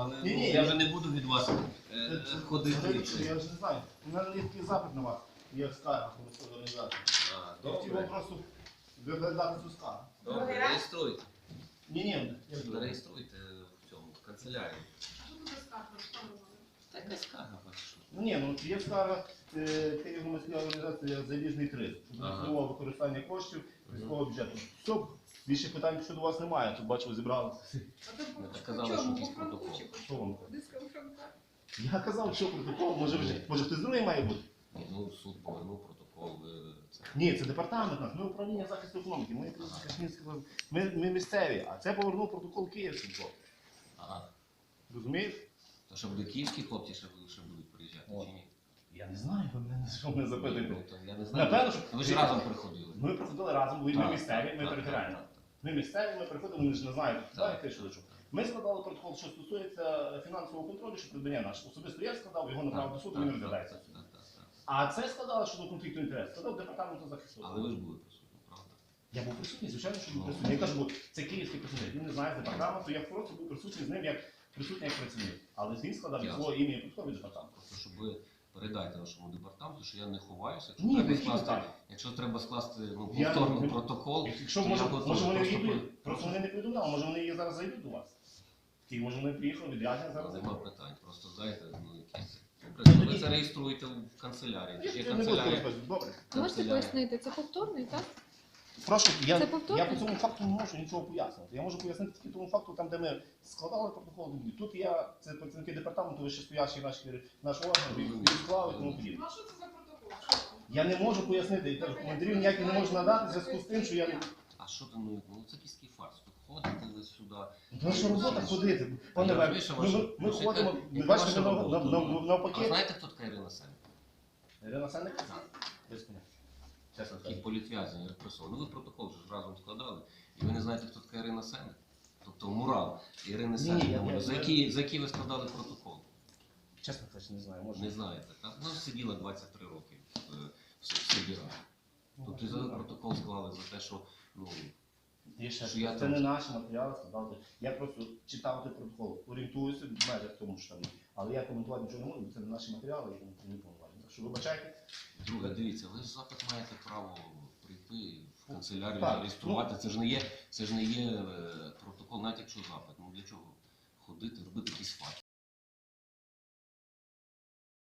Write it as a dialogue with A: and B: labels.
A: але
B: Ні,
A: я вже не буду від вас ходити.
B: Я ж не знаю. У мене є такий запит на вас, як скарга громадської організації. Я хотів вам
A: Добре,
B: просто виглядати цю скаргу.
A: добре, реєструйте.
B: Ні,
A: Реєструйте в цьому, в канцелярії. Така скарга ваша.
B: ну є скарга Київ громадської організації Заліжний Криз. Допустимого використання коштів військового бюджету. Все, більше питань щодо вас немає. Тут бачу, ви зібралися.
A: Казали, що якийсь протокол.
B: Що вам? Я казав, що протокол, може хтось другий має бути?
A: Ну, суд повернув протокол. Це.
B: Ні, це департамент наш, ми управління захисту економіки, ми місцеві, а це повернув протокол київський хлопці.
A: Ага.
B: Розумієш?
A: То що буде київські хлопці ще будуть приїжджати, чи ні?
B: Я не знаю, ви мене що мене запитуєте.
A: Ну, то я не знаю.
B: Напевно, що
A: Ви ж разом приходили.
B: ми приходили разом, бо ми місцеві, ми
A: Так,
B: територіальні.
A: так, так.
B: Ми місцеві, ми приходимо, ми ж не знають,
A: Так.
B: знаєте, що до чого. Ми складали протокол, що стосується фінансового контролю, що придбання наше. Особисто я складав, його направив до суду, він розглядається. А це складало щодо конфлікту інтересів, складав департаменту захисту.
A: Але ви ж були присутні, правда?
B: Я був присутній, звичайно, що був присутній. Я кажу, бо це київський працівник, він не знає з департаменту, я просто був присутній з ним як присутній як працівник. Але він складав від свого імені протокол від департаменту.
A: Просто щоб ви передайте нашому департаменту, що я не ховаюся.
B: Ні,
A: Якщо треба скласти
B: Я
A: повторний
B: не-
A: протокол,
B: Якщо
A: то
B: може
A: я готовий.
B: вони
A: Просто
B: їдуть, просто вони не повідомляли, може вони її зараз зайдуть до вас. Ті, може вони приїхали відрядження зараз.
A: Нема питань, просто дайте якісь. Добре, ви це реєструєте в канцелярії. Є
B: Я не буду
A: канцелярія.
B: розповідати. Добре.
C: Можете пояснити, це повторний, так?
B: Прошу,
C: Це
B: я
C: повторно?
B: по цьому факту не можу нічого пояснити. Я можу пояснити тільки тому факту, там, де ми складали протокол. Тут я, це працівники департаменту, вищестоящі наш орган, він склали і тому подібне.
D: Ну, а що це за протокол?
B: Я не можу пояснити, я кажу, коментарів ніяких не можу надати в зв'язку з тим, що я не...
A: А що ти, ну це якийсь фарс. Тут ходите ви сюди.
B: Наша робота ходити. Пане
A: Я
B: Вер,
A: розумію, що ваша-
B: ми
A: яка-
B: ходимо,
A: яка
B: бачите,
A: ваша робота? А
B: навпаки.
A: знаєте, хто така Ірина Сенник?
B: Ірина Сенник? Без поняття. Чесно
A: Такий
B: кажу.
A: політв'язень, репресор. Ну ви протокол ж разом складали, і ви не знаєте, хто така Ірина Сенник? Тобто мурал Ірини
B: Ні,
A: Сенник.
B: я-
A: За який ви складали протокол?
B: Чесно кажучи, не знаю, може.
A: Не знаєте, так? Ну, сиділа 23 роки в суді раді. Тобто за протокол склали за те, що, ну,
B: Є ще
A: Що я
B: це
A: там-
B: не наші матеріали складати. Я просто читав той протокол, орієнтуюся в межах тому, що там є. Але я коментувати нічого не можу, бо це не наші матеріали, я не повноважені. Так що вибачайте.
A: друге, дивіться, ви ж запит маєте право прийти в канцелярію,
B: Так,
A: зареєструвати. Це ж не є протокол, навіть якщо запит. Ну для чого ходити, робити якийсь факт?